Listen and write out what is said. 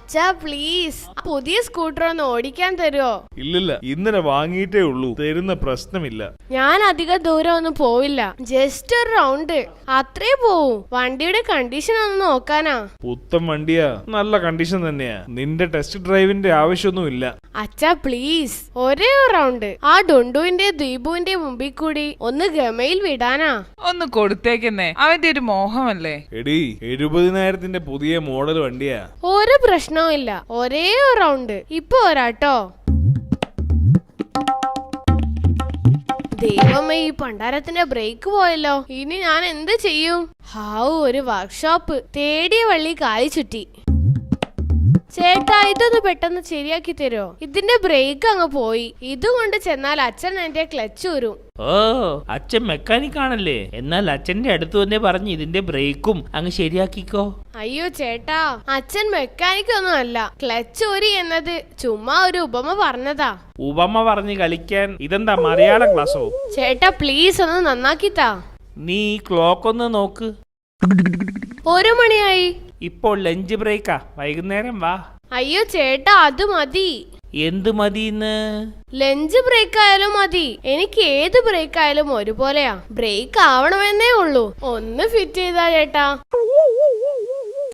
അച്ഛാ പ്ലീസ് പുതിയ സ്കൂട്ടർ ഒന്ന് ഓടിക്കാൻ തരുമോ? ഇല്ലില്ല, ഇന്നലെ വാങ്ങിയിട്ടേ ഉള്ളൂ, തരുന്ന പ്രശ്നമില്ല. ഞാൻ അധികം ദൂരം ഒന്നും പോവില്ല, ജസ്റ്റ് ഒരു റൗണ്ട് അത്രേ പോവും. വണ്ടിയുടെ കണ്ടീഷൻ ഒന്ന് നോക്കാനാ. പുത്തൻ വണ്ടിയാ, നല്ല കണ്ടീഷൻ തന്നെയാ. നിന്റെ ടെസ്റ്റ് ഡ്രൈവിന്റെ ആവശ്യമൊന്നുമില്ല. അച്ഛാ പ്ലീസ് ഒരേ ഒരു റൗണ്ട് ആ ഡുണ്ടുവിന്റെ ദീപുവിന്റെ മുമ്പിൽ കൂടി ഒന്ന് ഗമയിൽ വിടാനാ. ഒന്ന് കൊടുത്തേക്കുന്നേ, അവന്റെ ഒരു മോഹമല്ലേ. എടി 70,000 പുതിയ മോഡൽ വണ്ടിയാ. ഒരു പ്രശ്നവും ഇല്ല, ഒരേ ഒരു റൗണ്ട് ഇപ്പൊ വരാട്ടോ. ദൈവമേ, ഈ പണ്ടാരത്തിന്റെ ബ്രേക്ക് പോയല്ലോ. ഇനി ഞാൻ എന്ത് ചെയ്യും? ഹാവൂ, ഒരു വർക്ക്ഷോപ്പ് തേടിയ വള്ളി കായ് ചുറ്റി. ചേട്ടാ, ഇതൊന്ന് പെട്ടെന്ന് ശരിയാക്കി തരുമോ? ഇതിന്റെ ബ്രേക്ക് അങ്ങ് പോയി. ഇതുകൊണ്ട് ചെന്നാൽ അച്ഛൻ എന്റെ ക്ലച്ച് ഊരും. ഓ, അച്ഛൻ മെക്കാനിക് ആണല്ലേ? എന്നാൽ അച്ഛന്റെ അടുത്ത് വന്നേ പറഞ്ഞ് ഇതിന്റെ ബ്രേക്കും അങ്ങ് ശരിയാക്കിക്കോ. അയ്യോ ചേട്ടാ, അച്ഛൻ മെക്കാനിക് ഒന്നും അല്ല. ക്ലച്ച് ഊരി എന്നത് ചുമ്മാ ഒരു ഉപമ പറഞ്ഞതാ. ഉപമ പറഞ്ഞ് കളിക്കാൻ ഇതെന്താ മലയാളം ക്ലാസ്സോ? ചേട്ടാ പ്ലീസ് ഒന്ന് നന്നാക്കിത്താ. നീ ക്ലോക്ക് ഒന്ന് നോക്ക്. 1 മണിയായി. ഇപ്പോൾ ലഞ്ച് ബ്രേക്കാ, വൈകുന്നേരം വാ. അയ്യോ ചേട്ടാ, അത് മതി. എന്ത് മതിന്ന്? ലഞ്ച് ബ്രേക്ക് ആയാലും മതി. എനിക്ക് ഏത് ബ്രേക്ക് ആയാലും ഒരുപോലെയാ. ബ്രേക്ക് ആവണമെന്നേ ഉള്ളൂ. ഒന്ന് ഫിറ്റ് ചെയ്താ ചേട്ടാ.